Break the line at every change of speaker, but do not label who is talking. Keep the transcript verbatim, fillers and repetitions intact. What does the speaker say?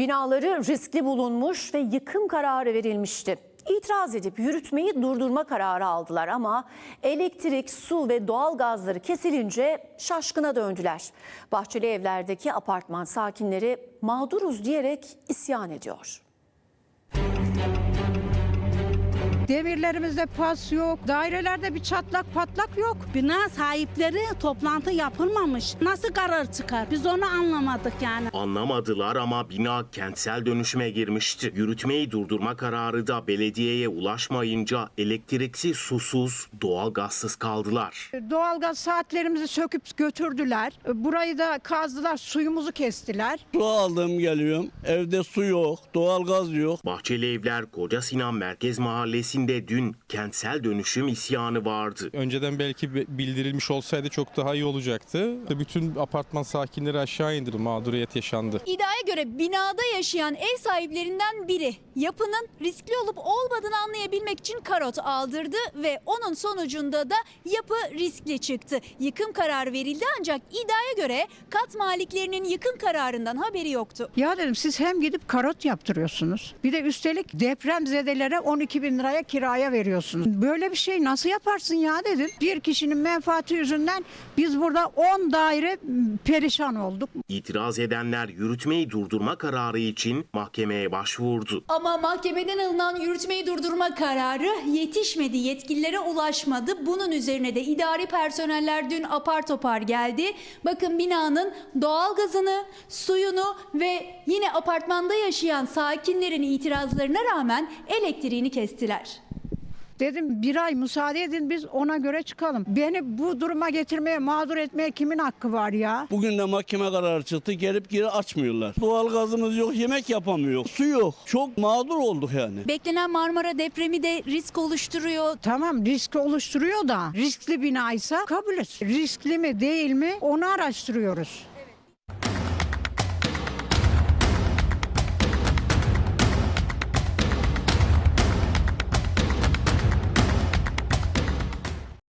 Binaları riskli bulunmuş ve yıkım kararı verilmişti. İtiraz edip yürütmeyi durdurma kararı aldılar ama elektrik, su ve doğal gazları kesilince şaşkına döndüler. Bahçeli Evler'deki apartman sakinleri mağduruz diyerek isyan ediyor.
Demirlerimizde pas yok, dairelerde bir çatlak patlak yok.
Bina sahipleri toplantı yapılmamış. Nasıl karar çıkar? Biz onu anlamadık yani.
Anlamadılar ama bina kentsel dönüşüme girmişti. Yürütmeyi durdurma kararı da belediyeye ulaşmayınca elektriksiz, susuz, doğalgazsız kaldılar.
Doğalgaz saatlerimizi söküp götürdüler. Burayı da kazdılar, suyumuzu kestiler.
Su aldım geliyorum. Evde su yok, doğalgaz yok.
Bahçeli Evler Koca Sinan Merkez Mahallesi'nde dün kentsel dönüşüm isyanı vardı.
Önceden belki bildirilmiş olsaydı çok daha iyi olacaktı. Bütün apartman sakinleri aşağı indirdi, mağduriyet yaşandı.
İddiaya göre binada yaşayan ev sahiplerinden biri yapının riskli olup olmadığını anlayabilmek için karot aldırdı ve onun sonucunda da yapı riskli çıktı. Yıkım kararı verildi ancak iddiaya göre kat maliklerinin yıkım kararından haberi yoktu.
Ya dedim, siz hem gidip karot yaptırıyorsunuz, bir de üstelik depremzedelere on iki bin liraya kiraya veriyorsunuz. Böyle bir şey nasıl yaparsın ya dedim. Bir kişinin menfaati yüzünden biz burada on daire perişan olduk.
İtiraz edenler yürütmeyi durdurma kararı için mahkemeye başvurdu.
Ama mahkemeden alınan yürütmeyi durdurma kararı yetişmedi, yetkililere ulaşmadı. Bunun üzerine de idari personeller dün apar topar geldi. Bakın binanın doğalgazını, suyunu ve yine apartmanda yaşayan sakinlerin itirazlarına rağmen elektriğini kestiler.
Dedim bir ay müsaade edin, biz ona göre çıkalım. Beni bu duruma getirmeye, mağdur etmeye kimin hakkı var ya?
Bugün de mahkeme kararı çıktı. Gelip geri açmıyorlar. Doğalgazımız yok, yemek yapamıyor. Su yok. Çok mağdur olduk yani.
Beklenen Marmara depremi de risk oluşturuyor.
Tamam, risk oluşturuyor da riskli binaysa kabulüz. Riskli mi değil mi onu araştırıyoruz.